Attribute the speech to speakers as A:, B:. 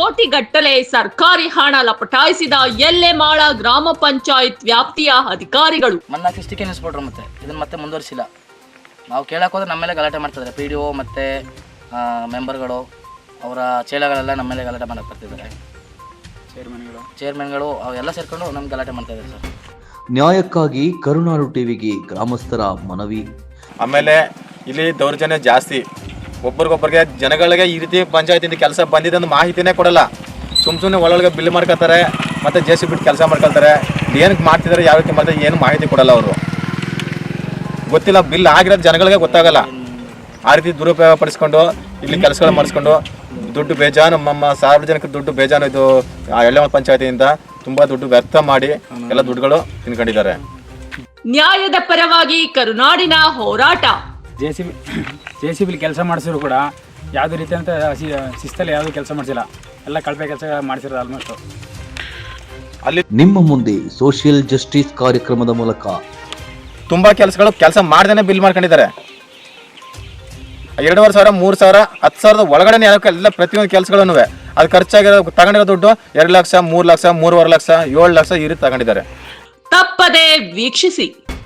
A: ಕೋಟಿಗಟ್ಟಲೆ ಸರ್ಕಾರಿ ಹಣ ಲಪಟಾಯಿಸಿದ ಎಲ್ಲೆಮಾಳ ಗ್ರಾಮ ಪಂಚಾಯತ್ ವ್ಯಾಪ್ತಿಯ ಅಧಿಕಾರಿಗಳು.
B: ಮನ್ನ ಕಿಸ್ಟಿಕೆ ನಿಲ್ಲಿಸ್ಬಿಟ್ರು. ಮತ್ತೆ ಇದನ್ನ ಮತ್ತೆ ಮುಂದುವರಿಸಿಲ್ಲ. ನಾವು ಕೇಳಕ್ಕೆ ಹೋದ್ರೆ ನಮ್ಮ ಮೇಲೆ ಗಲಾಟೆ ಮಾಡ್ತಿದ್ದಾರೆ. PDO ಮತ್ತು ಮೆಂಬರ್ಗಳು ಅವರ ಚೇಲಗಳೆಲ್ಲ ನಮ್ಮ ಮೇಲೆ ಗಲಾಟೆ ಮಾಡಕ್ಕೆ ಬರ್ತಿದ್ದಾರೆ. ಚೇರ್ಮನ್ಗಳು ಅವೆಲ್ಲ ಸೇರ್ಕೊಂಡು ನಮ್ಗೆ ಗಲಾಟೆ ಮಾಡ್ತಾ ಇದ್ದಾರೆ ಸರ್.
C: ನ್ಯಾಯಕ್ಕಾಗಿ ಕರುನಾಡು ಟಿವಿಗೆ ಗ್ರಾಮಸ್ಥರ ಮನವಿ. ಆಮೇಲೆ
D: ಇಲ್ಲಿ ದೌರ್ಜನ್ಯ ಜಾಸ್ತಿ. ಒಬ್ಬರಿಗೊಬ್ಬರಿಗೆ ಜನಗಳಿಗೆ ಈ ರೀತಿ ಪಂಚಾಯತಿಂದ ಕೆಲಸ ಬಂದಿದೆ ಅಂತ ಮಾಹಿತಿನೇ ಕೊಡಲ್ಲ. ಸುಮ್ಮನೆ ಒಳಗೆ ಬಿಲ್ ಮಾಡ್ಕೊತಾರೆ, ಮತ್ತು JCB ಬಿಟ್ಟು ಕೆಲಸ ಮಾಡ್ಕೊಳ್ತಾರೆ. ಏನಕ್ಕೆ ಮಾಡ್ತಿದ್ದಾರೆ, ಯಾವ ರೀತಿ ಮಾಡ್ತಾರೆ, ಏನು ಮಾಹಿತಿ ಕೊಡಲ್ಲ ಅವರು. ಗೊತ್ತಿಲ್ಲ, ಬಿಲ್ ಆಗಿರೋದು ಜನಗಳಿಗೆ ಗೊತ್ತಾಗಲ್ಲ. ಆ ರೀತಿ ದುರುಪಯೋಗ ಪಡಿಸ್ಕೊಂಡು ಇಲ್ಲಿ ಕೆಲಸಗಳು ಮಾಡಿಸ್ಕೊಂಡು ದುಡ್ಡು ಬೇಜಾನು, ನಮ್ಮ ಸಾರ್ವಜನಿಕ ದುಡ್ಡು ಬೇಜಾನು. ಇದು ಎಳ್ಳೆಮಾಳ ಪಂಚಾಯತಿಯಿಂದ ತುಂಬ ದುಡ್ಡು ವ್ಯರ್ಥ ಮಾಡಿ ಎಲ್ಲ ದುಡ್ಡುಗಳು ತಿನ್ಕೊಂಡಿದ್ದಾರೆ.
A: ನ್ಯಾಯದ ಪರವಾಗಿ ಕರುನಾಡಿನ ಹೋರಾಟ.
E: JCB ಕೆಲಸ ಮಾಡಿಸಿದ್ರು ಕೂಡ ಯಾವುದೇ ರೀತಿಯಂತ ಶಿಸ್ತಲ್ಲಿ ಯಾವುದೂ ಕೆಲಸ ಮಾಡಿಸಿಲ್ಲ. ಎಲ್ಲ ಕಳಪೆ ಕೆಲಸ ಮಾಡಿಸಿರೋದು ಆಲ್ಮೋಸ್ಟ್.
C: ಅಲ್ಲಿ ನಿಮ್ಮ ಮುಂದೆ ಸೋಷಿಯಲ್ ಜಸ್ಟಿಸ್ ಕಾರ್ಯಕ್ರಮದ ಮೂಲಕ
D: ತುಂಬ ಕೆಲಸ ಮಾಡ್ದೇನೆ ಬಿಲ್ ಮಾಡ್ಕೊಂಡಿದ್ದಾರೆ. 2,500, 3,000, 10,000 ಒಳಗಡೆ ಎಲ್ಲ ಪ್ರತಿಯೊಂದು ಕೆಲಸಗಳನ್ನು ಅದು ಖರ್ಚಾಗಿರೋ ತಗೊಂಡಿರೋ ದುಡ್ಡು 2 ಲಕ್ಷ, 3 ಲಕ್ಷ, 3.5 ಲಕ್ಷ, 7 ಲಕ್ಷ ಈ ರೀತಿ ತಗೊಂಡಿದ್ದಾರೆ.
A: ತಪ್ಪದೆ ವೀಕ್ಷಿಸಿ.